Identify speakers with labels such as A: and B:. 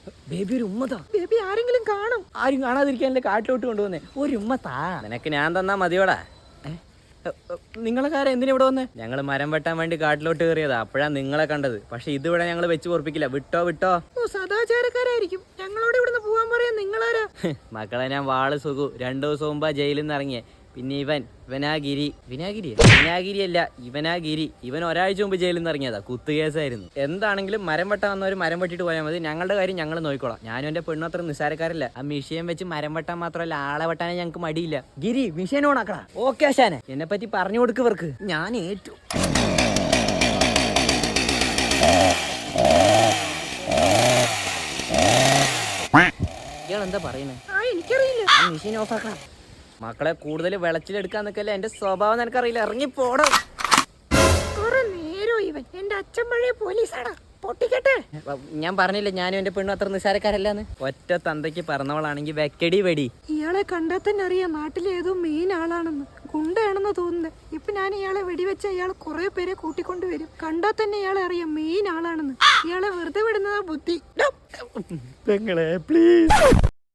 A: Baby ഒരു ഉമ്മതാ. Baby ആരെങ്കിലും കാണും. ആരും കാണാതിരിക്കാനല്ലേ കാട്ടിലോട്ട് കൊണ്ടുവന്നേ. ഒരു ഉമ്മത്താ. നിനക്ക് ഞാൻ തന്നാ മതിയോടാ. നിങ്ങളെ കാര്യം എന്തിനാ ഇവിടെ വന്നേ? ഞങ്ങൾ മരം വെട്ടാൻ വേണ്ടി കാട്ടിലോട്ട് കയറിയതാ. അപ്പോഴാ നിങ്ങളെ കണ്ടത്. പക്ഷെ ഇതിവിടെ ഞങ്ങൾ വെച്ച് പൊറപ്പിക്കില്ല. വിട്ടോ വിട്ടോ. ഓ, സദാചാരക്കാരായിരിക്കും. ഞങ്ങളോട് ഇവിടുന്ന് പോവാൻ പറയാ. നിങ്ങളാരാ? മക്കളെ, ഞാൻ വാള് സുഖു. 2 ദിവസം മുമ്പാ ജയിലിൽ നിന്ന് ഇറങ്ങിയേ. പിന്നെ ഇവനാഗിരി. വിനാഗിരിയല്ല, ഇവനാഗിരി. ഇവൻ ഒരാഴ്ച മുമ്പ് ജയിലിൽ നിന്ന് ഇറങ്ങിയതാ. കുത്തുകേസായിരുന്നു. എന്താണെങ്കിലും മരം വെട്ടാൻ വന്നവർ മരം വെട്ടിട്ട് പോയാൽ മതി. ഞങ്ങളുടെ കാര്യം ഞങ്ങൾ നോക്കിക്കോളാം. ഞാനും എന്റെ പെണ്ണും അത്ര നിസ്സാരക്കാരല്ല. ആ മിഷീൻ വെച്ച് മരം വെട്ടാൻ മാത്രമല്ല, ആളെ വെട്ടാനേ ഞങ്ങൾക്ക് മടിയില്ല. ഗിരി, മിഷീൻ ഓണാക്കടാ. ഓക്കെ ആശാനെ. എന്നെ പറ്റി പറഞ്ഞു കൊടുക്കവർക്ക്. ഞാൻ ഏറ്റു. ഇയാളെന്താ പറയുന്നേ? എനിക്കറിയില്ല. മിഷീൻ ഓഫ് ആക്കണം. മക്കളെ, കൂടുതൽ വെളച്ചിലെടുക്കാൻ നിൽക്കല്ലേ. എന്റെ സ്വഭാവം നിനക്കറിയില്ല. ഇറങ്ങി പോടാ. എന്റെ അച്ഛൻ പഴയ പോലീസാണ്. പൊട്ടിക്കട്ടെ. ഞാൻ പറഞ്ഞില്ല ഞാനും എന്റെ പെണ്ണും അത്ര നിസ്സാരക്കാരല്ലാന്ന്. ഒറ്റ തന്തയ്ക്ക് പറഞ്ഞവളാണെങ്കിൽ വെക്കടി വെടി. ഇയാളെ കണ്ടാൽ തന്നെ അറിയാം നാട്ടിലെ ഏതോ മെയിൻ ആളാണെന്ന്. ഗുണ്ടയാണെന്ന് തോന്നുന്നത്. ഇപ്പൊ ഞാൻ ഇയാളെ വെടിവെച്ച ഇയാൾ കുറെ പേരെ കൂട്ടിക്കൊണ്ടുവരും. കണ്ടാൽ തന്നെ ഇയാളെ അറിയാം മെയിൻ ആളാണെന്ന്. ഇയാളെ വെറുതെ വിടുന്നതാ ബുദ്ധി. പെങ്ങളെ പ്ലീസ്.